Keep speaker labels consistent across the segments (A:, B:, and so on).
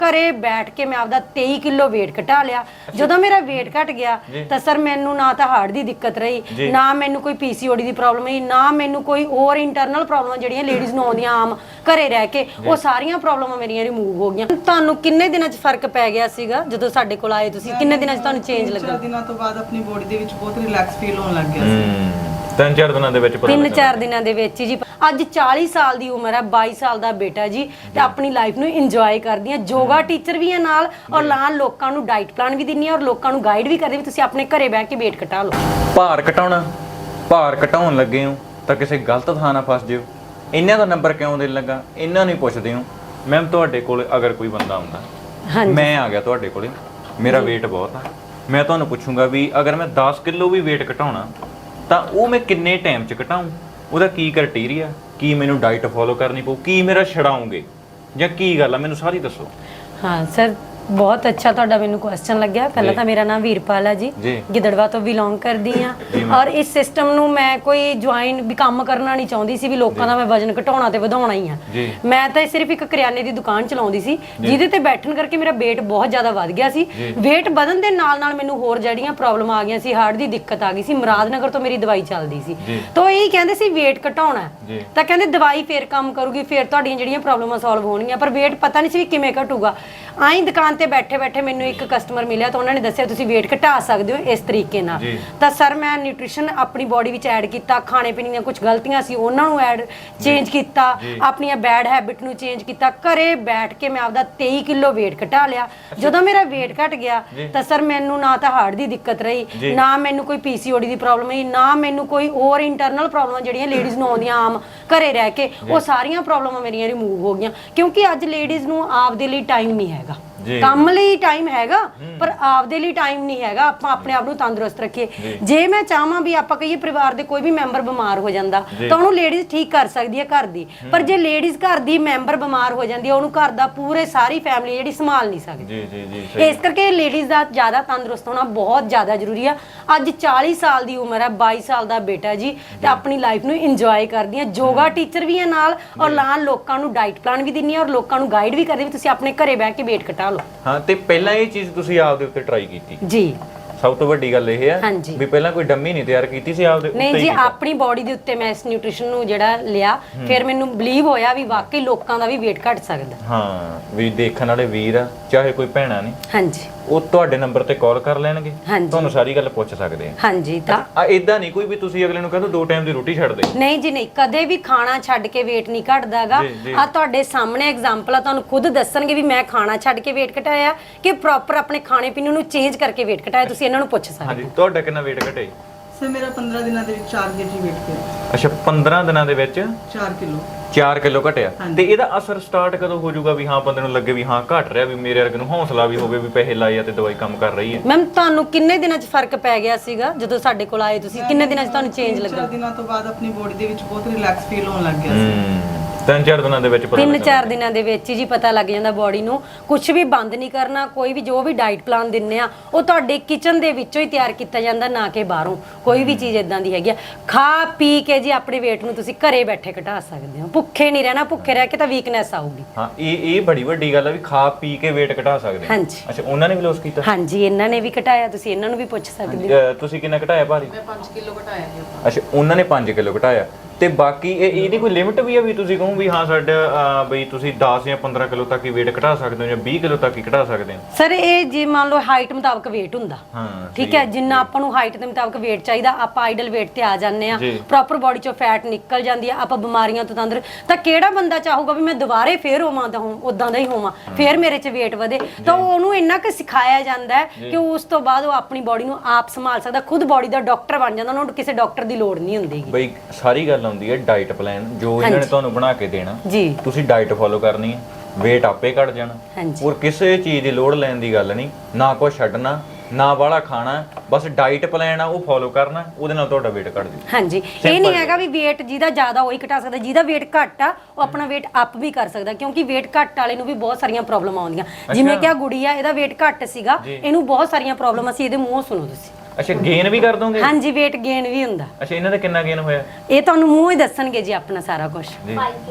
A: ਘਰੇ ਬੈਠ ਕੇ ਮੈਂ ਆਪਦਾ 23 ਕਿਲੋ weight ਘਟਾ ਲਿਆ। ਜਦੋਂ ਮੇਰਾ weight ਘਟ ਗਿਆ ਤਾਂ ਸਰ ਮੈਨੂੰ ਨਾ ਤਾਂ ਹਾਰਟ ਦੀ ਦਿੱਕਤ ਰਹੀ, ਨਾ ਮੈਨੂੰ ਕੋਈ PCOD ਦੀ ਪ੍ਰੋਬਲਮ ਰਹੀ, ਨਾ ਮੈਨੂੰ ਕੋਈ ਹੋਰ ਇੰਟਰਨਲ ਪ੍ਰੋਬਲਮਾਂ ਜਿਹੜੀਆਂ ਲੇਡੀਜ਼ ਨੂੰ ਆਉਂਦੀਆਂ ਆਮ ਘਰੇ ਰਹਿ ਕੇ, ਉਹ ਸਾਰੀਆਂ ਪ੍ਰੋਬਲਮਾਂ ਮੇਰੀਆਂ ਰਿਮੂਵ ਹੋ ਗਈਆਂ। ਤੁਹਾਨੂੰ ਕਿੰਨੇ ਦਿਨਾਂ 'ਚ ਫਰਕ ਪੈ ਗਿਆ ਸੀਗਾ ਜਦੋਂ ਸਾਡੇ ਕੋਲ ਆਏ ਤੁਸੀਂ? ਕਿੰਨੇ ਦਿਨਾਂ 'ਚ ਤੁਹਾਨੂੰ ਚੇਂਜ ਲੱਗਾ?
B: 4 ਦਿਨਾਂ ਤੋਂ ਬਾਅਦ ਆਪਣੀ ਬੋਡੀ ਦੇ ਵਿੱਚ ਬਹੁਤ ਰਿਲੈਕਸ ਫੀਲ ਹੋਣ ਲੱਗ ਗਿਆ ਸੀ।
C: 3-4 ਦਿਨਾਂ ਦੇ ਵਿੱਚ
A: 3-4 ਦਿਨਾਂ ਦੇ ਵਿੱਚ ਜੀ। ਅੱਜ 40 ਸਾਲ ਦੀ ਉਮਰ ਹੈ, 22 ਸਾਲ ਦਾ ਬੇਟਾ ਜੀ, ਤੇ ਆਪਣੀ ਲਾਈਫ ਨੂੰ ਇੰਜੋਏ ਕਰਦੀ ਹਾਂ। ਯੋਗਾ ਟੀਚਰ ਵੀ ਹਾਂ ਨਾਲ, ਔਰ ਨਾਲ ਲੋਕਾਂ ਨੂੰ ਡਾਈਟ ਪਲਾਨ ਵੀ ਦਿੰਨੀ ਹਾਂ, ਔਰ ਲੋਕਾਂ ਨੂੰ ਗਾਈਡ ਵੀ ਕਰਦੀ ਵੀ ਤੁਸੀਂ ਆਪਣੇ ਘਰੇ ਬਹਿ ਕੇ weight ਘਟਾ ਲਓ।
C: ਭਾਰ ਘਟਾਉਣਾ, ਭਾਰ ਘਟਾਉਣ ਲੱਗੇ ਹੋ ਤਾਂ ਕਿਸੇ ਗਲਤ ਥਾਂ ਨਾ ਫਸ ਜਿਓ। ਇਹਨਾਂ ਦਾ ਨੰਬਰ ਕਿਉਂ ਦੇਣ ਲੱਗਾ, ਇਹਨਾਂ ਨੂੰ ਪੁੱਛਦੇ ਹੋ। ਮੈਮ ਤੁਹਾਡੇ ਕੋਲ ਅਗਰ ਕੋਈ ਬੰਦਾ ਆਉਂਦਾ, ਮੈਂ ਆ ਗਿਆ ਤੁਹਾਡੇ ਕੋਲੇ, ਮੇਰਾ weight ਬਹੁਤ ਆ, ਮੈਂ ਤੁਹਾਨੂੰ ਪੁੱਛੂੰਗਾ ਵੀ ਅਗਰ ਮੈਂ 10 ਕਿਲੋ ਵੀ weight ਘਟਾਉਣਾ ਤਾਂ ਉਹ ਮੈਂ ਕਿੰਨੇ ਟਾਈਮ 'ਚ ਘਟਾਊਂ, ਉਹਦਾ ਕੀ ਕ੍ਰਾਈਟੇਰੀਆ, ਕੀ ਮੈਨੂੰ ਡਾਈਟ ਫੋਲੋ ਕਰਨੀ ਪਊ, ਕੀ ਮੇਰਾ ਛਡਾਉਂਗੇ ਜਾਂ ਕੀ ਗੱਲ ਆ, ਮੈਨੂੰ ਸਾਰੀ ਦੱਸੋ।
A: ਹਾਂ ਸਰ, ਬਹੁਤ ਅੱਛਾ ਤੁਹਾਡਾ ਮੈਨੂੰ ਕੁਐਸਚਨ ਲੱਗਿਆ। ਪਹਿਲਾਂ ਤਾਂ ਮੇਰਾ ਨਾਮ ਵੀਰਪਾਲ ਹੈ ਜੀ, ਗਿੱਦੜਵਾ ਤੋਂ ਬਿਲੋਂਗ ਕਰਦੀ ਹਾਂ, ਔਰ ਇਸ ਸਿਸਟਮ ਨੂੰ ਮੈਂ ਕੋਈ ਜੁਆਇਨ ਵੀ ਕੰਮ ਕਰਨਾ ਨਹੀਂ ਚਾਹੁੰਦੀ ਸੀ ਵੀ ਲੋਕਾਂ ਦਾ ਮੈਂ ਵਜਨ ਘਟਾਉਣਾ ਤੇ ਵਧਾਉਣਾ ਹੀ ਆ। ਮੈਂ ਤਾਂ ਸਿਰਫ ਇੱਕ ਕਰਿਆਨੇ ਦੀ ਦੁਕਾਨ ਚਲਾਉਂਦੀ ਸੀ, ਜਿਹਦੇ ਤੇ ਬੈਠਣ ਕਰਕੇ ਮੇਰਾ weight ਬਹੁਤ ਜ਼ਿਆਦਾ ਵੱਧ ਗਿਆ ਸੀ। weight ਵਧਣ ਦੇ ਨਾਲ ਨਾਲ ਮੈਨੂੰ ਹੋਰ ਜਿਹੜੀਆਂ ਪ੍ਰੋਬਲਮ ਆ ਗਈਆਂ ਸੀ, ਹਾਰਟ ਦੀ ਦਿੱਕਤ ਆ ਗਈ ਸੀ, ਮੁਰਾਦਨਗਰ ਤੋਂ ਮੇਰੀ ਦਵਾਈ ਚੱਲਦੀ ਸੀ। ਤਾਂ ਇਹ ਕਹਿੰਦੇ ਸੀ weight ਘਟਾਉਣਾ, ਤਾਂ ਕਹਿੰਦੇ ਦਵਾਈ ਫੇਰ ਕੰਮ ਕਰੂਗੀ, ਫੇਰ ਤੁਹਾਡੀਆਂ ਜਿਹੜੀਆਂ ਪ੍ਰੋਬਲਮਾਂ ਸੋਲਵ ਹੋਣਗੀਆਂ, ਪਰ weight ਪਤਾ ਨਹੀਂ ਸੀ ਵੀ ਕਿਵੇਂ ਘਟੂਗਾ। ਆਈ ਦੁਕਾਨ ਤੇ ਬੈਠੇ ਬੈਠੇ ਮੈਨੂੰ ਇੱਕ ਕਸਟਮਰ ਮਿਲਿਆ, ਤਾਂ ਉਹਨਾਂ ਨੇ ਦੱਸਿਆ ਤੁਸੀਂ weight ਘਟਾ ਸਕਦੇ ਹੋ ਇਸ ਤਰੀਕੇ ਨਾਲ। ਤਾਂ ਸਰ ਮੈਂ ਨਿਊਟ੍ਰੀਸ਼ਨ ਆਪਣੀ ਬੋਡੀ ਵਿੱਚ ਐਡ ਕੀਤਾ, ਖਾਣੇ ਪੀਣੇ ਦੀਆਂ ਕੁਝ ਗਲਤੀਆਂ ਸੀ ਉਹਨਾਂ ਨੂੰ ਚੇਂਜ ਕੀਤਾ, ਆਪਣੀਆਂ ਬੈਡ ਹੈਬਿਟ ਨੂੰ ਚੇਂਜ ਕੀਤਾ। ਘਰੇ ਬੈਠ ਕੇ ਮੈਂ ਆਪਦਾ 23 ਕਿਲੋ weight ਘਟਾ ਲਿਆ। ਜਦੋਂ ਮੇਰਾ weight ਘਟ ਗਿਆ ਤਾਂ ਸਰ ਮੈਨੂੰ ਨਾ ਤਾਂ ਹਾਰਟ ਦੀ ਦਿੱਕਤ ਰਹੀ, ਨਾ ਮੈਨੂੰ ਕੋਈ PCOD ਦੀ ਪ੍ਰੋਬਲਮ ਰਹੀ, ਨਾ ਮੈਨੂੰ ਕੋਈ ਹੋਰ ਇੰਟਰਨਲ ਪ੍ਰੋਬਲਮਾਂ ਜਿਹੜੀਆਂ ਲੇਡੀਜ਼ ਨੂੰ ਆਉਂਦੀਆਂ ਆਮ ਘਰੇ ਰਹਿ ਕੇ, ਉਹ ਸਾਰੀਆਂ ਪ੍ਰੋਬਲਮਾਂ ਮੇਰੀਆਂ ਰਿਮੂਵ ਹੋ ਗਈਆਂ। ਕਿਉਂਕਿ ਅੱਜ ਲੇਡੀਜ਼ ਨੂੰ ਆਪਦੇ ਲਈ ਟਾਈਮ ਨਹੀਂ ਹੈਗਾ, ਕੰਮ ਲਈ ਟਾਈਮ ਹੈਗਾ ਪਰ ਆਪਦੇ ਲਈ ਟਾਈਮ ਨਹੀਂ ਹੈਗਾ। ਆਪਾਂ ਆਪਣੇ ਆਪ ਨੂੰ ਤੰਦਰੁਸਤ ਰੱਖੀਏ। ਜੇ ਮੈਂ ਚਾਹਾਂ ਵੀ ਆਪਾਂ ਕਹੀਏ ਪਰਿਵਾਰ ਦੇ ਕੋਈ ਵੀ ਮੈਂਬਰ ਬਿਮਾਰ ਹੋ ਜਾਂਦਾ ਤਾਂ ਉਹਨੂੰ ਲੇਡੀਜ਼ ਠੀਕ ਕਰ ਸਕਦੀ ਹੈ ਘਰ ਦੀ, ਪਰ ਜੇ ਲੇਡੀਜ਼ ਘਰ ਦੀ ਮੈਂਬਰ ਬਿਮਾਰ ਹੋ ਜਾਂਦੀ ਹੈ, ਉਹਨੂੰ ਘਰ ਦਾ ਪੂਰੇ ਸਾਰੀ ਫੈਮਿਲੀ ਜਿਹੜੀ ਸੰਭਾਲ ਨਹੀਂ ਸਕਦੀ। ਇਸ ਕਰਕੇ ਲੇਡੀਜ਼ ਦਾ ਜ਼ਿਆਦਾ ਤੰਦਰੁਸਤ ਹੋਣਾ ਬਹੁਤ ਜ਼ਿਆਦਾ ਜ਼ਰੂਰੀ ਆ। ਅੱਜ 40 ਸਾਲ ਦੀ ਉਮਰ ਹੈ, 22 ਸਾਲ ਦਾ ਬੇਟਾ ਜੀ, ਤੇ ਆਪਣੀ ਲਾਈਫ ਨੂੰ ਇੰਜੋਏ ਕਰਦੀ ਹਾਂ। ਯੋਗਾ ਟੀਚਰ ਵੀ ਹਾਂ ਨਾਲ, ਔਰ ਨਾਲ ਲੋਕਾਂ ਨੂੰ ਡਾਈਟ ਪਲਾਨ ਵੀ ਦਿੰਨੀ ਹਾਂ, ਔਰ ਲੋਕਾਂ ਨੂੰ ਗਾਈਡ ਵੀ ਕਰਦੀ ਵੀ ਤੁਸੀਂ ਆਪਣੇ ਘਰੇ ਬਹਿ ਕੇ weight ਘਟਾ ਲਓ।
C: ਹਾਂ, ਤੇ ਪਹਿਲਾਂ ਇਹ ਚੀਜ਼ ਤੁਸੀਂ ਆਪਦੇ ਉੱਤੇ ਟਰਾਈ ਕੀਤੀ
A: ਜੀ।
C: ਸਭ ਤੋਂ ਵੱਡੀ ਗੱਲ ਇਹ ਹੈ ਵੀ ਪਹਿਲਾਂ ਕੋਈ ਡੰਮੀ ਨਹੀਂ ਤਿਆਰ ਕੀਤੀ ਸੀ ਆਪਦੇ ਉੱਤੇ?
A: ਨਹੀਂ ਜੀ, ਆਪਣੀ ਬੋਡੀ ਦੇ ਉੱਤੇ ਮੈਂ ਇਸ ਨਿਊਟ੍ਰੀਸ਼ਨ ਨੂੰ ਜਿਹੜਾ ਲਿਆ, ਫਿਰ ਮੈਨੂੰ ਬਲੀਵ ਹੋਇਆ ਵੀ ਵਾਕਈ ਲੋਕਾਂ ਦਾ ਵੀ weight ਘਟ ਸਕਦਾ।
C: ਹਾਂ, ਵੀ ਦੇਖਣ ਵਾਲੇ ਵੀਰ ਆ ਚਾਹੇ ਕੋਈ ਭੈਣਾ ਨੇ,
A: ਹਾਂਜੀ,
C: ਉਹ ਤੁਹਾਡੇ ਨੰਬਰ ਤੇ ਕਾਲ ਕਰ ਲੈਣਗੇ, ਤੁਹਾਨੂੰ ਸਾਰੀ ਗੱਲ ਪੁੱਛ ਸਕਦੇ ਆ।
A: ਹਾਂਜੀ, ਤਾਂ
C: ਇਦਾਂ ਨਹੀਂ ਕੋਈ ਵੀ ਤੁਸੀਂ ਅਗਲੇ ਨੂੰ ਕਹਿੰਦੇ 2 ਟਾਈਮ ਦੀ ਰੋਟੀ ਛੱਡ ਦੇ।
A: ਨਹੀਂ ਜੀ, ਨਹੀਂ, ਕਦੇ ਵੀ ਖਾਣਾ ਛੱਡ ਕੇ weight ਨਹੀਂ ਘਟਦਾਗਾ। ਆ ਤੁਹਾਡੇ ਸਾਹਮਣੇ ਐਗਜ਼ਾਮਪਲ ਆ, ਤੁਹਾਨੂੰ ਖੁਦ ਦੱਸਣਗੇ ਵੀ ਮੈਂ ਖਾਣਾ ਛੱਡ ਕੇ weight ਘਟਾਇਆ ਕਿ ਪ੍ਰੋਪਰ ਆਪਣੇ ਖਾਣੇ ਪੀਣੇ ਨੂੰ ਚੇਂਜ ਕਰਕੇ weight ਘਟਾਇਆ। ਤੁਸੀਂ ਇਹਨਾਂ ਨੂੰ ਪੁੱਛ ਸਕਦੇ ਹੋ।
C: ਹਾਂਜੀ, ਤੁਹਾਡਾ ਕਿੰਨਾ weight ਘਟਿਆ?
B: ਸਰ ਮੇਰਾ 15 ਦਿਨਾਂ ਦੇ ਵਿੱਚ 4 kg weight ਘਟਿਆ।
C: ਅੱਛਾ, 15 ਦਿਨਾਂ ਦੇ ਵਿੱਚ
B: 4
C: ਕਿਲੋ ਘਟਿਆ। ਤੇ ਇਹਦਾ ਅਸਰ ਸਟਾਰਟ ਕਦੋਂ ਹੋ ਜਾਊਗਾ ਵੀ ਹਾਂ ਬੰਦੇ ਨੂੰ ਲੱਗੇ ਵੀ ਹਾਂ ਘਟ ਰਿਹਾ, ਵੀ ਮੇਰੇ ਵਰਗੇ ਨੂੰ ਹੌਸਲਾ ਵੀ ਹੋਵੇ ਵੀ ਪੈਸੇ ਲਾਏ ਆ ਤੇ ਦਵਾਈ ਕੰਮ ਕਰ ਰਹੀ ਹੈ?
A: ਮੈਮ ਤੁਹਾਨੂੰ ਕਿੰਨੇ ਦਿਨਾਂ 'ਚ ਫਰਕ ਪੈ ਗਿਆ ਸੀਗਾ ਜਦੋਂ ਸਾਡੇ ਕੋਲ ਆਏ ਤੁਸੀਂ? ਕਿੰਨੇ ਦਿਨਾਂ 'ਚ ਤੁਹਾਨੂੰ ਚੇਂਜ ਲੱਗਾ?
B: 4 ਦਿਨਾਂ ਤੋਂ ਬਾਅਦ ਆਪਣੀ ਬੋਡੀ ਦੇ ਵਿੱਚ ਬਹੁਤ ਰਿਲੈਕਸ ਫੀਲ ਹੋਣ ਲੱਗ ਗਿਆ ਸੀ।
C: 3-4 ਦਿਨਾਂ ਦੇ ਵਿੱਚ
A: 3-4 ਦਿਨਾਂ ਦੇ ਵਿੱਚ ਹੀ ਜੀ ਪਤਾ ਲੱਗ ਜਾਂਦਾ ਬੋਡੀ ਨੂੰ। ਕੁਝ ਵੀ ਬੰਦ ਨਹੀਂ ਕਰਨਾ, ਕੋਈ ਵੀ ਜੋ ਵੀ ਡਾਈਟ ਪਲਾਨ ਦਿੰਨੇ ਆ ਉਹ ਤੁਹਾਡੇ ਕਿਚਨ ਦੇ ਵਿੱਚੋਂ ਹੀ ਤਿਆਰ ਕੀਤਾ ਜਾਂਦਾ, ਨਾ ਕਿ ਬਾਹਰੋਂ। ਕੋਈ ਵੀ ਚੀਜ਼ ਇਦਾਂ ਦੀ ਹੈਗੀ ਆ, ਖਾ ਪੀ ਕੇ ਜੀ ਆਪਣੇ weight ਨੂੰ ਤੁਸੀਂ ਘਰੇ ਬੈਠੇ ਘਟਾ ਸਕਦੇ ਹੋ। ਭੁੱਖੇ ਨਹੀਂ ਰਹਿਣਾ, ਭੁੱਖੇ ਰਹਿ ਕੇ ਤਾਂ ਵੀਕਨੈਸ ਆਊਗੀ।
C: ਹਾਂ, ਇਹ ਬੜੀ ਵੱਡੀ ਗੱਲ ਆ ਵੀ ਖਾ ਪੀ ਕੇ weight ਘਟਾ ਸਕਦੇ।
A: ਹਾਂਜੀ।
C: ਅੱਛਾ, ਉਹਨਾਂ ਨੇ ਵੀ ਲੋਸ ਕੀਤਾ?
A: ਹਾਂਜੀ, ਇਹਨਾਂ ਨੇ ਵੀ ਘਟਾਇਆ, ਤੁਸੀਂ ਇਹਨਾਂ ਨੂੰ ਵੀ ਪੁੱਛ ਸਕਦੇ ਹੋ।
C: ਤੁਸੀਂ ਕਿੰਨਾ ਘਟਾਇਆ ਭਾਰੀ?
B: ਮੈਂ 5 ਕਿਲੋ ਘਟਾਇਆ ਜੀ।
C: ਅੱਛਾ, ਉਹਨਾਂ ਨੇ 5 ਕਿਲੋ ਘਟਾਇਆ। ਤੇ ਬਾਕੀ ਇਹਦੀ ਕੋਈ ਲਿਮਿਟ ਵੀ ਆ ਵੀ ਤੁਸੀਂ ਕਹੋ ਵੀ ਹਾਂ ਸਾਡਾ ਬਈ ਤੁਸੀਂ 10 ਜਾਂ 15 ਕਿਲੋ ਤੱਕ ਹੀ weight ਘਟਾ ਸਕਦੇ ਹੋ ਜਾਂ 20 ਕਿਲੋ ਤੱਕ ਹੀ ਘਟਾ ਸਕਦੇ ਹੋ?
A: ਸਰ ਇਹ ਜੇ ਮੰਨ ਲਓ ਹਾਈਟ ਮੁਤਾਬਕ weight ਹੁੰਦਾ,
C: ਹਾਂ
A: ਠੀਕ ਹੈ, ਜਿੰਨਾ ਆਪਾਂ ਨੂੰ ਹਾਈਟ ਦੇ ਮੁਤਾਬਕ weight ਚਾਹੀਦਾ ਆਪਾਂ ਆਈਡਲ weight ਤੇ ਆ ਜਾਂਦੇ ਆ, ਪ੍ਰੋਪਰ ਬੋਡੀ ਚੋਂ ਫੈਟ ਨਿਕਲ ਜਾਂਦੀ ਆ, ਆਪਾਂ ਬਿਮਾਰੀਆਂ ਤੋਂ ਤੰਦਰ। ਤਾਂ ਕਿਹੜਾ ਬੰਦਾ ਚਾਹੂਗਾ ਵੀ ਮੈਂ ਦੁਬਾਰੇ ਫੇਰ ਹੋਵਾਂ ਤਾਂ ਉਦਾਂ ਦਾ ਹੀ ਹੋਵਾਂ, ਫੇਰ ਮੇਰੇ 'ਚ weight ਵਧੇ? ਤਾਂ ਉਹਨੂੰ ਇੰਨਾ ਕੁ ਸਿਖਾਇਆ ਜਾਂਦਾ ਹੈ ਕਿ ਉਸ ਤੋਂ ਬਾਅਦ ਉਹ ਆਪਣੀ ਬੋਡੀ ਨੂੰ ਆਪ ਸੰਭਾਲ ਸਕਦਾ, ਖੁਦ ਬੋਡੀ ਦਾ ਡਾਕਟਰ ਬਣ ਜਾਂਦਾ, ਉਹਨੂੰ ਕਿਸੇ ਡਾਕਟਰ ਦੀ ਲੋੜ ਨਹੀਂ ਹੁੰਦੀ।
C: ਬਈ ਸਾਰੀ ਗੱਲ ਆਉਂਦੀ ਹੈ ਡਾਈਟ ਪਲਾਨ ਜੋ ਇਹਨਾਂ ਨੇ ਤੁਹਾਨੂੰ ਬਣਾ ਕੇ ਦੇਣਾ ਜੀ, ਤੁਸੀਂ ਡਾਈਟ ਫੋਲੋ ਕਰਨੀ ਹੈ, weight ਆਪੇ ਘਟ ਜਾਣਾ। ਹੋਰ ਕਿਸੇ ਚੀਜ਼ ਦੀ ਲੋੜ ਲੈਣ ਦੀ ਗੱਲ ਨਹੀਂ, ਨਾ ਕੁਛ ਛੱਡਣਾ ਨਾ ਵਾਲਾ ਖਾਣਾ, ਬਸ ਡਾਈਟ ਪਲਾਨ ਆ ਉਹ ਫੋਲੋ ਕਰਨਾ, ਉਹਦੇ ਨਾਲ ਤੁਹਾਡਾ weight ਘਟ ਜਾਊ।
A: ਹਾਂਜੀ, ਇਹ ਨਹੀਂ ਹੈਗਾ ਵੀ weight ਜਿਹਦਾ ਜ਼ਿਆਦਾ ਉਹੀ ਘਟਾ ਸਕਦਾ, ਜਿਹਦਾ weight ਘੱਟ ਆ ਉਹ ਆਪਣਾ weight ਅਪ ਵੀ ਕਰ ਸਕਦਾ, ਕਿਉਂਕਿ weight ਘੱਟ ਵਾਲੇ ਨੂੰ ਵੀ ਬਹੁਤ ਸਾਰੀਆਂ ਪ੍ਰੋਬਲਮ ਆਉਂਦੀਆਂ। ਜਿਵੇਂ ਕਿ ਆ ਗੁੜੀ ਆ, ਇਹਦਾ weight ਘੱਟ ਸੀਗਾ, ਇਹਨੂੰ ਬਹੁਤ ਸਾਰੀਆਂ ਪ੍ਰੋਬਲਮ ਸੀ, ਇਹਦੇ ਮੂੰਹੋਂ ਸੁਣੋ ਤੁਸੀਂ।
C: ਅੱਛਾ, ਗੇਨ ਵੀ ਕਰ ਦੋਗੇ?
A: ਹਾਂਜੀ, weight gain ਵੀ ਹੁੰਦਾ।
C: ਅੱਛਾ, ਇਹਨਾਂ ਦਾ ਕਿੰਨਾ ਗੇਨ ਹੋਇਆ?
A: ਇਹ ਤੁਹਾਨੂੰ ਮੂੰਹ ਹੀ ਦੱਸਣਗੇ ਜੀ ਆਪਣਾ ਸਾਰਾ ਕੁਝ।
D: 5 kg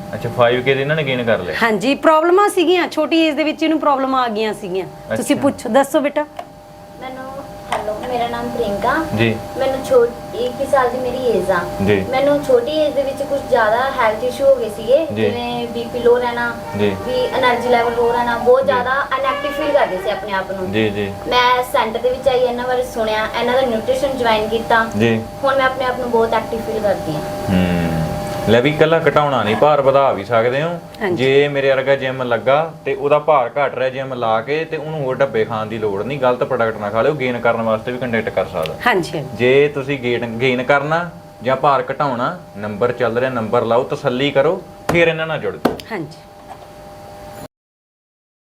C: ਅੱਛਾ 5K ਦੇ ਇਹਨਾਂ ਨੇ ਗੇਨ ਕਰ ਲਿਆ।
A: ਹਾਂਜੀ ਪ੍ਰੋਬਲਮਾਂ ਸੀਗੀਆਂ, ਛੋਟੀ ਏਜ ਦੇ ਵਿੱਚ ਇਹਨੂੰ ਪ੍ਰੋਬਲਮ ਆ ਗਈਆਂ ਸੀਗੀਆਂ। ਤੁਸੀਂ ਪੁੱਛੋ, ਦੱਸੋ ਬੇਟਾ।
D: ਮੈਨੂੰ ਹੈਲੋ, ਮੇਰਾ ਨਾਮ ਪ੍ਰਿੰਕਾ
C: ਜੀ।
D: ਮੈਨੂੰ 21 ਸਾਲ ਦੀ ਮੇਰੀ ਏਜ ਆ।
C: ਜੀ।
D: ਮੈਨੂੰ ਛੋਟੀ ਏਜ ਦੇ ਵਿੱਚ ਕੁਝ ਜ਼ਿਆਦਾ ਹੈਲਥ ਇਸ਼ੂ ਹੋ ਗਏ ਸੀਗੇ, ਜਿਵੇਂ ਬੀਪੀ ਲੋ ਰਹਿਣਾ, ਵੀ એનર્ਜੀ ਲੈਵਲ ਲੋ ਰਹਿਣਾ, ਬਹੁਤ ਜ਼ਿਆਦਾ ਅਨਐਕਟਿਵ ਫੀਲ ਕਰਦੇ ਸੀ ਆਪਣੇ ਆਪ ਨੂੰ।
C: ਜੀ ਜੀ।
D: ਮੈਂ ਸੈਂਟਰ ਦੇ ਵਿੱਚ ਆਈ, ਇਹਨਾਂ ਬਾਰੇ ਸੁਣਿਆ, ਇਹਨਾਂ ਦਾ ਨਿਊਟ੍ਰੀਸ਼ਨ ਜੁਆਇਨ ਕੀਤਾ।
C: ਜੀ।
D: ਹੁਣ ਮੈਂ ਆਪਣੇ ਆਪ ਨੂੰ ਬਹੁਤ ਐਕਟਿਵ ਫੀਲ ਕਰਦੀ ਹਾਂ।
C: ਲੈ ਵੀ ਇਕੱਲਾ ਘਟਾਉਣਾ ਨਹੀਂ, ਭਾਰ ਵਧਾ ਵੀ ਸਕਦੇ ਹੋ। ਜੇ ਮੇਰੇ ਵਰਗਾ ਜਿਮ ਲੱਗਾ ਤੇ ਉਹਦਾ ਭਾਰ ਘਟ ਰਿਹਾ ਜਿਮ ਲਾ ਕੇ, ਤੇ ਉਹਨੂੰ ਹੋਰ ਡੱਬੇ ਖਾਣ ਦੀ ਲੋੜ ਨਹੀਂ, ਗਲਤ ਪ੍ਰੋਡਕਟ ਨਾ ਖਾ ਲਿਓ। ਗੇਨ ਕਰਨ ਵਾਸਤੇ ਵੀ ਕੰਟੈਕਟ ਕਰ ਸਕਦਾ।
A: ਹਾਂਜੀ।
C: ਜੇ ਤੁਸੀਂ ਗੇਨ ਕਰਨਾ ਜਾਂ ਭਾਰ ਘਟਾਉਣਾ, ਨੰਬਰ ਚੱਲ ਰਿਹਾ, ਨੰਬਰ ਲਾਓ, ਤਸੱਲੀ ਕਰੋ, ਫਿਰ ਇਹਨਾਂ ਨਾਲ ਜੁੜ ਜਾਓ।
A: ਹਾਂਜੀ।